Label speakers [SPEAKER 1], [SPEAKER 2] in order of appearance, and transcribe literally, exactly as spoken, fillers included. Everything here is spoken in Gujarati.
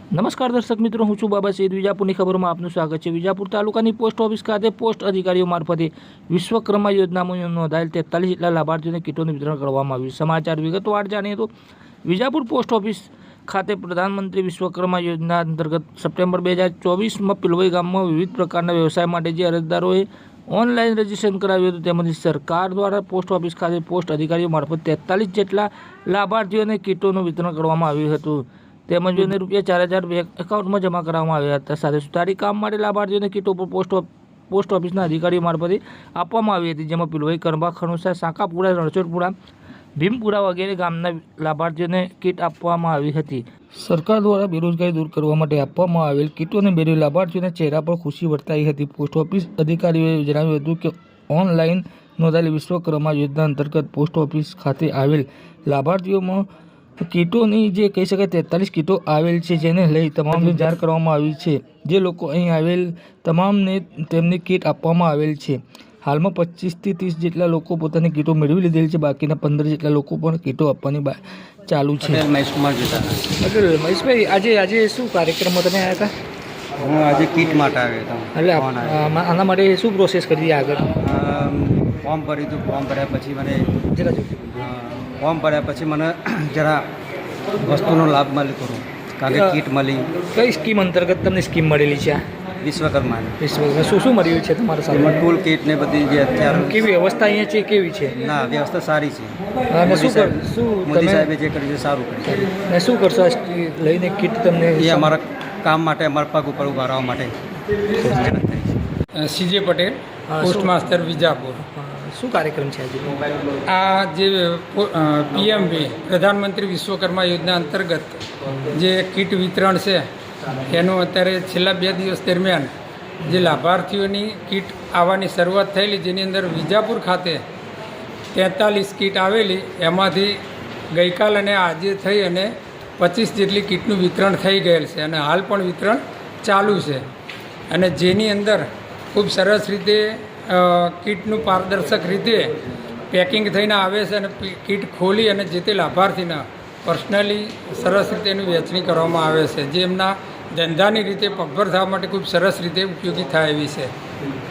[SPEAKER 1] નમસ્કાર દર્શક મિત્રો, હું છું બાબા સૈયદ. વિજાપુરની ખબરોમાં આપનું સ્વાગત છે. વિજાપુર તાલુકાની પોસ્ટ ઓફિસ ખાતે પોસ્ટ અધિકારીઓ મારફતે વિશ્વકર્મા યોજનામાં નોંધાયેલ તેતાલીસ જેટલા લાભાર્થીઓને કીટોનું વિતરણ કરવામાં આવ્યું. સમાચાર વિગતવાર જાણીએ તો વિજાપુર પોસ્ટ ઓફિસ ખાતે પ્રધાનમંત્રી વિશ્વકર્મા યોજના અંતર્ગત સપ્ટેમ્બર બે હજાર ચોવીસમાં પિલવઈ ગામમાં વિવિધ પ્રકારના વ્યવસાય માટે જે અરજદારોએ ઓનલાઈન રજીસ્ટ્રેશન કરાવ્યું હતું તેમજ સરકાર દ્વારા પોસ્ટ ઓફિસ ખાતે પોસ્ટ અધિકારીઓ મારફત તેતાલીસ જેટલા લાભાર્થીઓને કીટોનું વિતરણ કરવામાં આવ્યું હતું. તેમજ એને રૂપિયા ચાર હજાર બેંક એકાઉન્ટમાં જમા કરવામાં આવ્યા હતા. સાથે સુધારી કામ માટે લાભાર્થીઓને કીટો પર પોસ્ટ પોસ્ટ ઓફિસના અધિકારીઓ મારફતે આપવામાં આવી હતી, જેમાં પિલવઈ, કરંબા, ખણુસા, સાંકાપુરા, રણછોડપુરા, ભીમપુરા વગેરે ગામના લાભાર્થીઓને કીટ આપવામાં આવી હતી. સરકાર દ્વારા બેરોજગારી દૂર કરવા માટે આપવામાં આવેલ કીટોને મેળવી લાભાર્થીઓના ચહેરા પર ખુશી વર્તાઈ હતી. પોસ્ટ ઓફિસ અધિકારીઓએ જણાવ્યું હતું કે ઓનલાઈન નોંધાયેલી વિશ્વકર્મા યોજના અંતર્ગત પોસ્ટ ઓફિસ ખાતે આવેલ લાભાર્થીઓમાં કીટોની જે કહી શકાય તેતાલીસ કીટો આવેલ છે, જેને લઈ તમામને જાણ કરવામાં આવી છે. જે લોકો અહીં આવેલ તમામને તેમની કીટ આપવામાં આવેલ છે. હાલમાં પચીસથી ત્રીસ જેટલા લોકો પોતાની કીટો મેળવી લીધેલ છે. બાકીના પંદર જેટલા લોકો પણ કીટો આપવાની ચાલુ છે. મહેશભાઈ, આજે આજે શું કાર્યક્રમમાં તમે આવ્યા હતા?
[SPEAKER 2] હું આજે કીટ માટે આવ્યો હતો.
[SPEAKER 1] એટલે આના માટે શું પ્રોસેસ કરી આગળ?
[SPEAKER 2] ફોર્મ ભર્યું હતું. ફોર્મ ભર્યા પછી મને
[SPEAKER 1] જરા
[SPEAKER 2] ફોર્મ ભર્યા પછી મને જરા વસ્તુનો લાભ મળી કરું, કારણ કે કીટ મળી.
[SPEAKER 1] કઈ સ્કીમ અંતર્ગત તમને સ્કીમ મળેલી છે?
[SPEAKER 2] વિશ્વકર્માની.
[SPEAKER 1] વિશ્વકર્મા શું શું મળ્યું છે તમારા સાથે?
[SPEAKER 2] એમાં ટૂલ કીટ ને બધી જે અત્યારે
[SPEAKER 1] કેવી વ્યવસ્થા અહીંયા છે? કેવી છે?
[SPEAKER 2] ના, વ્યવસ્થા સારી છે.
[SPEAKER 1] અને શું કર શું
[SPEAKER 2] મોદી સાહેબે જે કર્યું છે સારું કર્યું.
[SPEAKER 1] ને શું કરશો આ લઈને કીટ તમને?
[SPEAKER 2] એ અમારા કામ માટે, અમારા પગ ઉપર ઉભા રહેવા માટે.
[SPEAKER 3] CJ Patel, post master, Vijapur.
[SPEAKER 1] શું કાર્યક્રમ છે આજે?
[SPEAKER 3] આ જે પીએમવી પ્રધાનમંત્રી વિશ્વકર્મા યોજના અંતર્ગત જે કીટ વિતરણ છે એનું અત્યારે છેલ્લા બે દિવસ દરમિયાન જે લાભાર્થીઓની કીટ આવવાની શરૂઆત થયેલી, જેની અંદર વિજાપુર ખાતે તેતાલીસ કીટ આવેલી, એમાંથી ગઈકાલ અને આજે થઈ અને પચીસ જેટલી કીટનું વિતરણ થઈ ગયેલ છે અને હાલ પણ વિતરણ ચાલુ છે. અને જેની અંદર ખૂબ સરસ રીતે કીટનું પારદર્શક રીતે પેકિંગ થઈને આવે છે અને કીટ ખોલી અને જે તે લાભાર્થીના પર્સનલી સરસ રીતે એની વહેંચણી કરવામાં આવે છે, જે એમના ધંધાની રીતે પગભર થવા માટે ખૂબ સરસ રીતે ઉપયોગી થાય એવી છે.